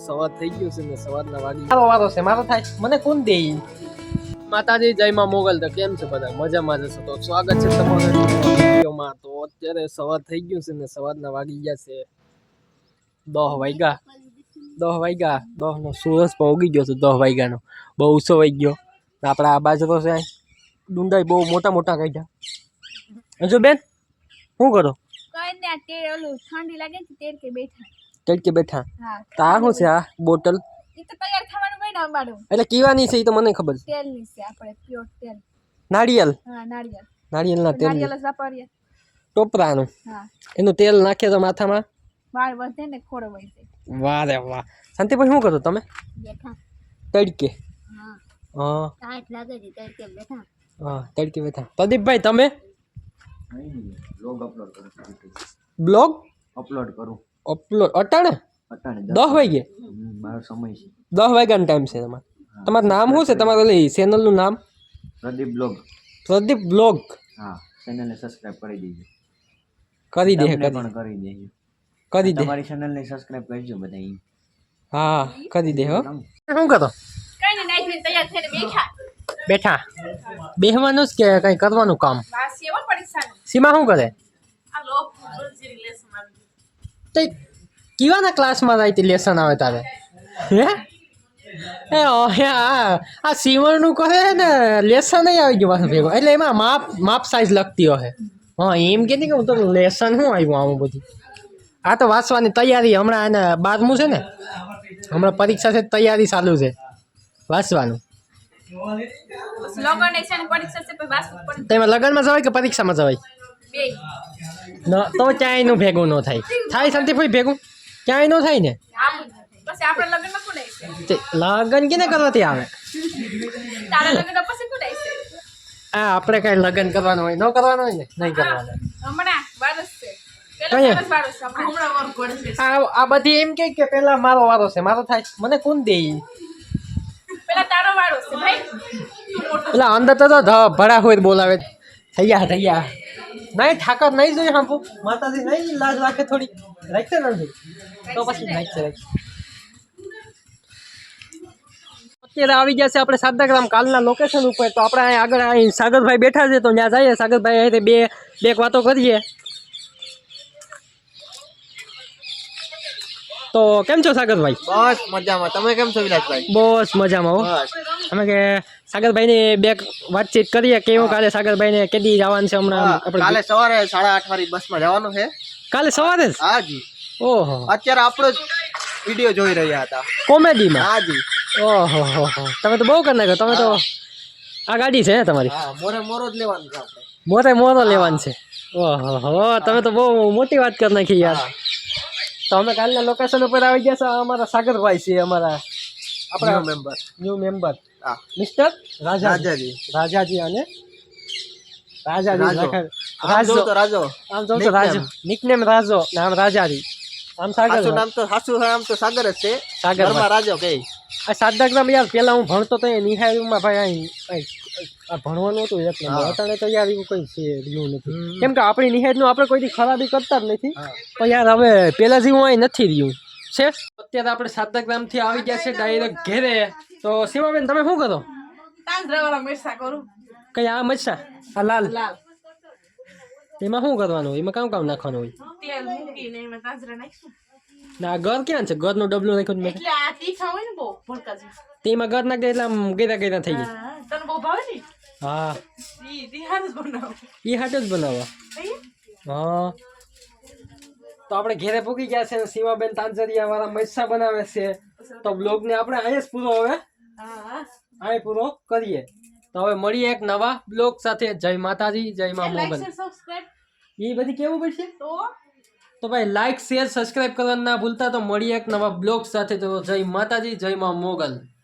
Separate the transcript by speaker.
Speaker 1: સવાર થઈ ગયું છે ને સવારના વાગી મારો વારો છે મારો થાય મને કોણ દે માતાજી જય માં મોગલ તો કેમ છે બધા મજામાં જશે તો સ્વાગત છે તમારું વિડીયોમાં તો અત્યારે સવાર થઈ ગયું છે ને સવારના વાગી ગયા છે 10 વાગ્યા 10 નો સૂરજ પણ ઉગી ગયો છે 10 વાગ્યાનો બહુ ઊંચો વાગી ગયો આપણા આ બાજુ તો છે ડુંડાઈ બહુ મોટા મોટા કાઢ્યા હજુ બેન શું કરો
Speaker 2: ઠંડી લાગે છે
Speaker 1: તડકે બેઠા તા શું છે આ બોટલ એટલે કીવાની છે એ તો મને ખબર છે
Speaker 2: તેલની છે આપણે પ્યોર તેલ
Speaker 1: નાળિયેર નાળિયેરના તેલ
Speaker 2: વાપરીએ
Speaker 1: ટોપરાનું
Speaker 2: હા
Speaker 1: એનું તેલ નાખીએ તો માથામાં
Speaker 2: વાળ વધે ને ખોડો વઈ જાય
Speaker 1: વાહ રે વાહ શાંતિભાઈ શું કરો તમે
Speaker 2: બેઠા
Speaker 1: તડકે
Speaker 2: હા
Speaker 1: હા
Speaker 2: ટાઈટ લાગે છે તડકે બેઠા
Speaker 1: હા તડકે બેઠા પ્રદીપભાઈ તમે
Speaker 3: બ્લોગ અપલોડ કરું
Speaker 1: બ્લોગ
Speaker 3: અપલોડ કરું
Speaker 1: અપલોડ અટાણે
Speaker 3: અટાણે
Speaker 1: 10 વાગે
Speaker 3: મારો સમય છે
Speaker 1: 10 વાગ્યાનો ટાઈમ છે તમારે તમારું નામ શું છે તમારું ઓલી ચેનલનું નામ
Speaker 3: પ્રદીપ બ્લોગ
Speaker 1: પ્રદીપ બ્લોગ
Speaker 3: હા ચેનલને સબસ્ક્રાઇબ કરી દેજો
Speaker 1: કરી દે
Speaker 3: તમને પણ કરી દેજો
Speaker 1: કરી દે
Speaker 3: તમારી ચેનલને સબસ્ક્રાઇબ કરજો બધા
Speaker 1: હા કરી દે હો શું કરો
Speaker 2: કઈ ને નાઈ તૈયાર થઈને બેઠા
Speaker 1: બેઠા બેહવાનું જ કે કઈ કરવાનું કામ
Speaker 2: વાસ એવો પરીક્ષાનો
Speaker 1: સીમા શું કરે
Speaker 2: આ લોક રોજી લેસન આવી
Speaker 1: તે કીવાના ક્લાસમાં જાય તે લેસન આવે તારે હે એ આ સીવણનું કરે ને લેસન નહીં આવી ગયું પાછું ભેગું એટલે એમાં માપ સાઈઝ લખતી હોય હા એમ કે નહીં કે હું તો લેસન શું આવ્યું આવું બધું આ તો વાંચવાની તૈયારી હમણાં એને 12મું છે ને હમણાં પરીક્ષા છે તૈયારી ચાલુ છે વાંચવાનું
Speaker 2: લોગન એક્શન પરીક્ષા છે પછી વાસ ઉપર
Speaker 1: તેમાં લગ્નમાં જવાય કે પરીક્ષામાં જવાય
Speaker 2: બે
Speaker 1: ન તો ક્યાંયનું ભેગું ન થાય થાય શાંતિભાઈ ભેગું ક્યાંય ન થાય ને
Speaker 2: આમ પછી આપણે લગનમાં કોણ આવશે
Speaker 1: તે લગ્ન કેને કરવાથી આવે
Speaker 2: તારા લગન પછી કોણ આવશે
Speaker 1: આ આપણે કઈ લગ્ન કરવાનું હોય ન કરવાનું હોય ને નહીં કરવાનું
Speaker 2: હમણાં વારસ છે
Speaker 1: કઈ?
Speaker 2: પેલા વારસ છે હમણાં વર કોણ છે
Speaker 1: આ બધી એમ કે પેલા મારો વારો છે મારો થાય મને કોણ દે
Speaker 2: પેલા તારો વારો છે ભાઈ
Speaker 1: એટલે અંદર તો ભડા હોય બોલાવે થઈ ગયા નહીં ઠાકર નહીં જોઈએ હાંપુ માતાજી નહીં લાજ રાખે થોડી રાખશે નથી તો પછી રાખશે અત્યારે આવી ગયા છે આપણે સાદાગ્રામ કાલના લોકેશન ઉપર તો આપણે અહીં આગળ અહીં સાગરભાઈ બેઠા છે તો ત્યાં જઈએ સાગરભાઈ અહીં બે વાતો કરીએ તો કેમ છો સાગરભાઈ
Speaker 3: બસ મજામાં તમે કેમ છો વિલાસભાઈ
Speaker 1: બસ મજામાં હો અમે કે સાગરભાઈને બે વાતચીત કરીએ કેવું કાલે સાગરભાઈને કેદી જવાનું છે હમણાં આપણે
Speaker 3: કાલે સવારે 8:30 વાળી બસમાં જવાનું છે
Speaker 1: કાલે સવારે જ
Speaker 3: હાજી
Speaker 1: ઓહો
Speaker 3: અત્યારે આપણો જ વિડીયો જોઈ રહ્યા હતા
Speaker 1: કોમેડીમાં
Speaker 3: હાજી
Speaker 1: ઓહો હો તમે તો બહુ કરી નાખ્યો તમે તો આ ગાડી છે તમારી
Speaker 3: હા મોરો જ લેવાનું છે આપણે
Speaker 1: મોરો લેવાનું છે ઓહો હો તમે તો બહુ મોટી વાત કરી નાખી યાર તો અમે કાલના લોકેશન ઉપર આવી ગયા છે અમારા સાગરભાઈ છે અમારા આપણા ન્યૂ મેમ્બર
Speaker 3: હા
Speaker 1: મિસ્ટર રાજાજી અને રાજાજી
Speaker 3: રાજો
Speaker 1: આમ જો તો રાજો નિકનેમ રાજો નામ રાજાજી આમ સાગર
Speaker 3: નામ તો નામ તો સાગર જ છે
Speaker 1: સાગરમાં
Speaker 3: રાજો કે
Speaker 1: આ સાદાગ્રામ યાર પેલા હું ભણતો તો એ નિહાળીમાં ભાઈ આ ભણવાનું હતું એટલે અત્યારે તો યાર એવું કંઈ છે રહ્યું નથી કેમ કે આપણી નિહાળનું આપણે કોઈ ખરાબી કરતા જ નથી પણ યાર હવે પેલા જેવું અહીં નથી રહ્યું છે અત્યારે આપણે સાદાગ્રામથી આવી ગયા છે ડાયરેક્ટ ઘેરે તો સીમાબેન તમે શું કરો
Speaker 2: તાંજરાવાળા મિરસા કરું
Speaker 1: કઈ આ મરચા આ લાલ એમાં શું કરવાનું હોય એમાં કામ નાખવાનું હોય
Speaker 2: તેલ મૂકીને એમાં તાંજરા નાખશું
Speaker 1: ના આ ઘર ક્યાં છે ઘરનું ડબલું નાખ્યું મેં
Speaker 2: એટલે આ તીખા હોય ને બહુ ભડકા છે
Speaker 1: તેમાં ઘર નાખી દે એટલે આમ ગેરા થઈ જાય
Speaker 2: તને બહુ ભાવે ને
Speaker 1: હા
Speaker 2: ઈ હાર જ બનાવો
Speaker 1: એ હાટ જ બનાવવા હા તો આપણે ઘેરે પૂકી ગયા છે સીમાબેન તાંજરિયા વાળા મરચા બનાવે છે તો બ્લોગને આપણે અહીંયા જ પૂરો હવે અહીં પૂરો કરીએ તો હવે મળીએ એક નવા બ્લોગ સાથે જય માતાજી જય મા મોગલ એ બધી કેવું પડશે તો ભાઈ લાઈક શેર સબસ્ક્રાઇબ કરવાનું ના ભૂલતા તો મળીએ એક નવા બ્લોગ સાથે તો જય માતાજી જય મા મોગલ